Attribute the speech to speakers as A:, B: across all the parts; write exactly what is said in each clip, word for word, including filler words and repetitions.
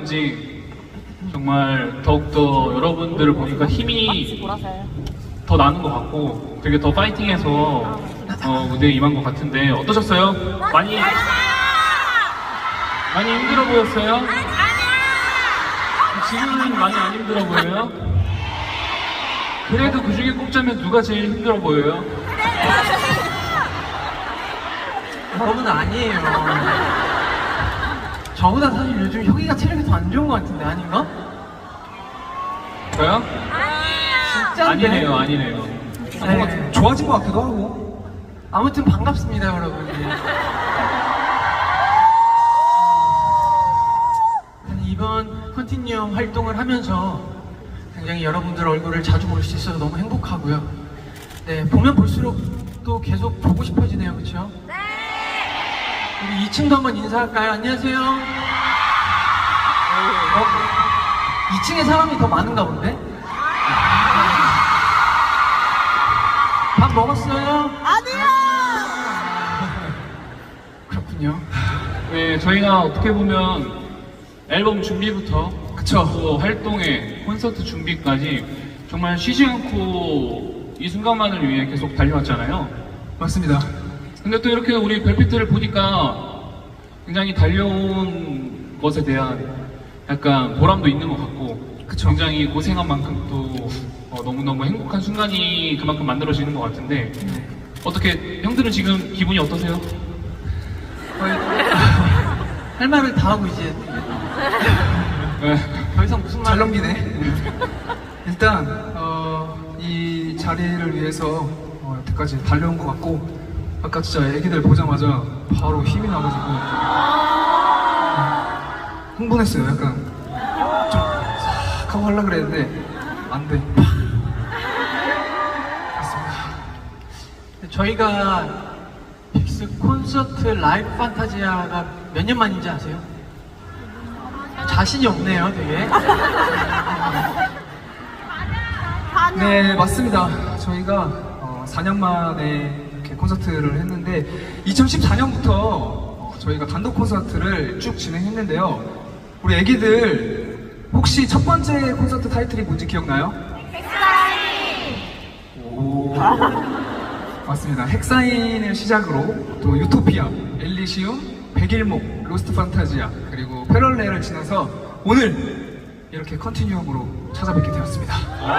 A: 그런지 정말 더욱더 여러분들을 보니까 힘이 더 나는 것 같고 되게 더 파이팅해서 어, 무대에 임한 것 같은데 어떠셨어요? 많이 많이 힘들어 보였어요? 지금은 많이 안 힘들어 보여요? 그래도 그 중에 꼽자면 누가 제일 힘들어 보여요?
B: 여러분 아니에요. 저보다 사실 요즘 혁이가 체력이 더 안 좋은 것 같은데 아닌가?
A: 저요?
B: 진짜인데?
A: 아니네요, 아니네요.
B: 네.
C: 좋아진 것 같기도 하고.
B: 아무튼 반갑습니다, 여러분. 이번 컨티뉴엄 활동을 하면서 굉장히 여러분들 얼굴을 자주 볼 수 있어서 너무 행복하고요. 네, 보면 볼수록 또 계속 보고 싶어지네요, 그렇죠? 네. 우리 이 층도 한번 인사할까요? 안녕하세요. 어? 이 층에 사람이 더 많은가 본데? 밥 먹었어요?
D: 아니요!
B: 그렇군요.
A: 네, 저희가 어떻게 보면 앨범 준비부터
C: 그쵸.
A: 또 활동에 콘서트 준비까지 정말 쉬지 않고 이 순간만을 위해 계속 달려왔잖아요.
C: 맞습니다.
A: 근데 또 이렇게 우리 별빛들을 보니까 굉장히 달려온 것에 대한 약간 보람도 있는 것 같고
C: 그쵸.
A: 굉장히 고생한 만큼 또 어, 너무너무 행복한 순간이 그만큼 만들어지는 것 같은데 어떻게 형들은 지금 기분이 어떠세요?
B: 거의 할 말을 다 하고 이제
A: 네.
B: 더 이상 무슨
C: 잘
B: 말
C: 넘기네. 일단 어, 이 자리를 위해서 어, 여태까지 달려온 것 같고 아까 진짜 애기들 보자마자 바로 힘이 나가지고 어, 흥분했어요. 약간 좀싹 하고 하려고 그랬는데 안 돼.
B: 저희가 빅스 콘서트 라이브 판타지아가 몇 년 만인지 아세요? 자신이 없네요, 되게.
C: 네, 맞습니다. 저희가 어, 사 년 만에 이렇게 콘서트를 했는데 이천십사 년부터 어, 저희가 단독 콘서트를 쭉 진행했는데요. 우리 애기들 혹시 첫 번째 콘서트 타이틀이 뭔지 기억나요? 오, 맞습니다. 헥사인을 시작으로 또 유토피아, 엘리시움, 백일목, 로스트 판타지아 그리고 패럴렐을 지나서 오늘 이렇게 컨티뉴엄으로 찾아뵙게 되었습니다.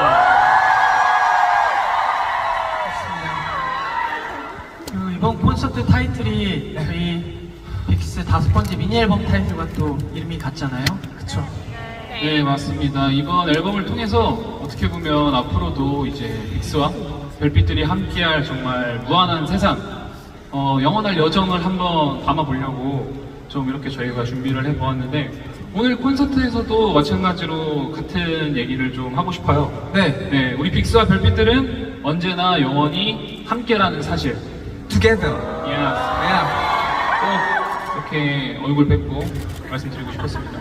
B: 그리고 이번 콘서트 타이틀이 저희 빅스 다섯 번째 미니 앨범 타이틀과 또 이름이 같잖아요. 그쵸?
A: 네, 맞습니다. 이번 앨범을 통해서 어떻게 보면 앞으로도 이제 빅스와 별빛들이 함께할 정말 무한한 세상, 어, 영원할 여정을 한번 담아보려고 좀 이렇게 저희가 준비를 해보았는데 오늘 콘서트에서도 마찬가지로 같은 얘기를 좀 하고 싶어요.
C: 네,
A: 네, 우리 빅스와 별빛들은 언제나 영원히 함께라는 사실.
C: together.
A: Yeah.
C: Yeah.
A: 꼭 이렇게 얼굴 뵙고 말씀드리고 싶었습니다.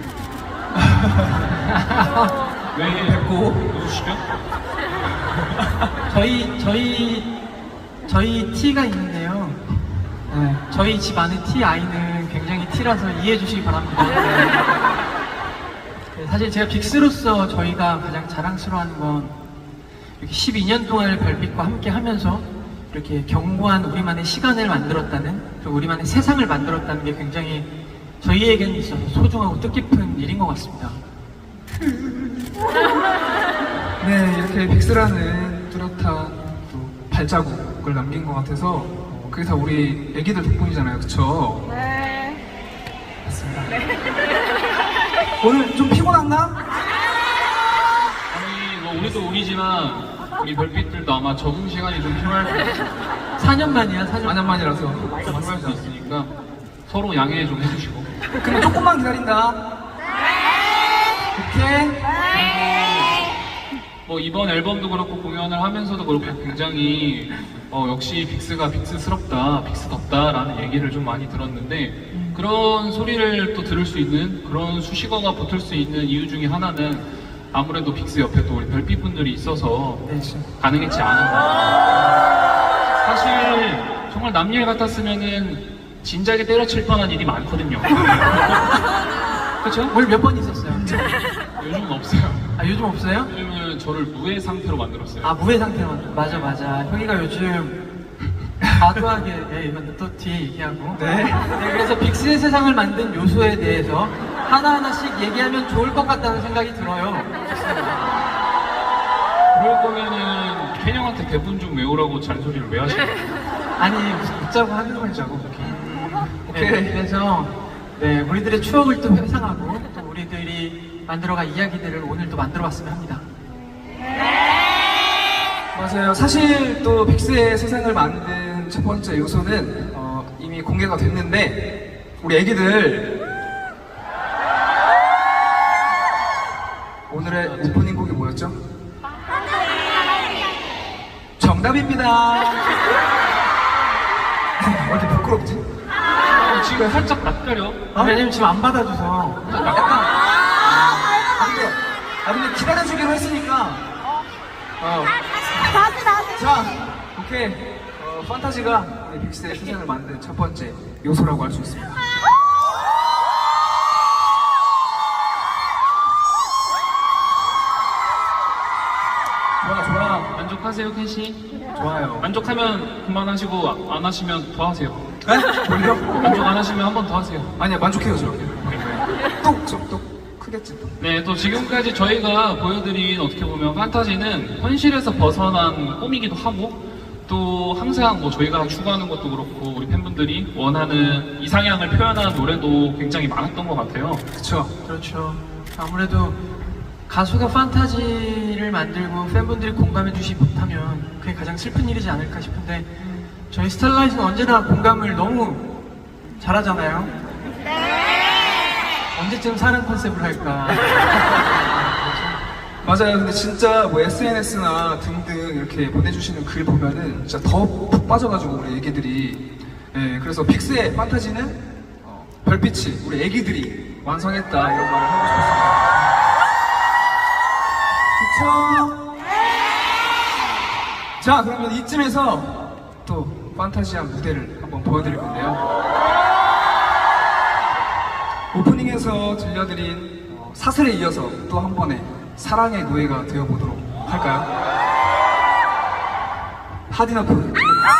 A: 왜
C: 뵙고.
A: 웃으시죠?
B: 저희, 저희, 저희 T가 있는데요. 네, 저희 집 안에 T 아이는 굉장히 T라서 이해해 주시기 바랍니다. 네, 사실 제가 빅스로서 저희가 가장 자랑스러워하는 건 이렇게 십이 년 동안을 별빛과 함께 하면서 이렇게 견고한 우리만의 시간을 만들었다는, 그리고 우리만의 세상을 만들었다는 게 굉장히 저희에게는 있어서 소중하고 뜻깊은 일인 것 같습니다.
C: 네, 이렇게 빅스라는 뚜렷한 또 발자국을 남긴 것 같아서 어, 그게 다 우리 애기들 덕분이잖아요, 그쵸?
D: 네.
C: 맞습니다. 오늘 좀 피곤한가?
A: 아니 뭐 우리도 우리지만 우리 별빛들도 아마 적응 시간이 좀 필요할 수 있어요.
B: 사 년 만이야, 사 년
C: 사 년 만이라서.
A: 필요할 수 있으니까 서로 양해 좀 해주시고.
C: 그럼 조금만 기다린다. 오케이?
A: 뭐 이번 앨범도 그렇고 공연을 하면서도 그렇고 굉장히 어, 역시 빅스가 빅스스럽다, 빅스덥다라는 얘기를 좀 많이 들었는데 그런 소리를 또 들을 수 있는 그런 수식어가 붙을 수 있는 이유 중에 하나는 아무래도 빅스 옆에 또 우리 별빛분들이 있어서 가능했지 않았나. 사실 정말 남일 같았으면은 진작에 때려칠 뻔한 일이 많거든요.
B: 그쵸? 올 몇 번 있었어요?
A: 요즘은 없어요.
B: 아, 요즘 없어요?
A: 요즘은 저를 무해 상태로 만들었어요.
B: 아, 무해 상태로. 맞아, 맞아. 형이가 요즘 과도하게, 예, 이건 또 뒤에 얘기하고.
C: 네.
B: 네, 그래서 빅스의 세상을 만든 요소에 대해서 하나하나씩 얘기하면 좋을 것 같다는 생각이 들어요.
A: 그럴 거면은 켄 형한테 대본 좀 외우라고 잔소리를 왜 하시는 거예요?
B: 아니, 웃자고 하는 거죠.
C: 오케이.
B: 네, 그래서, 네, 우리들의 추억을 또 회상하고, 또 우리들이 만들어갈 이야기들을 오늘 또 만들어 봤으면 합니다.
C: 맞아요. 사실 또 빅스의 세상을 만든 첫 번째 요소는 어, 이미 공개가 됐는데 우리 애기들 오늘의 오프닝 곡이 뭐였죠? 정답입니다. 왜 이렇게 부끄럽지?
A: 어, 지금 살짝 낯가려.
B: 아, 왜냐면 지금 안 받아줘서.
C: 약간 아 근데, 아 근데 기다려주기로 했으니까 어.
D: 다시 다시
C: 자, 오케이. 어, 판타지가 우리 빅스의 세상을 만든 첫 번째 요소라고 할 수 있습니다. 좋아, 좋아.
A: 만족하세요, 켄 씨?
C: 좋아요.
A: 만족하면 그만하시고 안 하시면 더 하세요.
C: 에? 뭘요?
A: 만족 안 하시면 한 번 더 하세요.
C: 아니야, 만족해요, 저. 또, 저, 또 크겠지, 또.
A: 네, 또 지금까지 저희가 보여드린 어떻게 보면 판타지는 현실에서 벗어난 꿈이기도 하고 또 항상 뭐 저희가 추구하는 것도 그렇고 우리 팬분들이 원하는 이상향을 표현한 노래도 굉장히 많았던 것 같아요.
C: 그쵸.
B: 그렇죠. 아무래도 가수가 판타지를 만들고 팬분들이 공감해 주지 못하면 그게 가장 슬픈 일이지 않을까 싶은데 저희 스타일라이트는 언제나 공감을 너무 잘하잖아요. 언제쯤 사랑 컨셉을 할까?
C: 맞아요. 근데 진짜 뭐 에스엔에스나 등등 이렇게 보내주시는 글 보면은 진짜 더 푹 빠져가지고 우리 애기들이. 예, 그래서 빅스의 판타지는 어, 별빛이 우리 애기들이 완성했다 이런 말을 하고 싶었습니다. 그쵸? 자, 그러면 이쯤에서 또 판타지한 무대를 한번 보여드릴 건데요. 오프닝에서 들려드린 어, 사슬에 이어서 또 한 번의 사랑의 노예가 되어보도록 할까요? 하디너프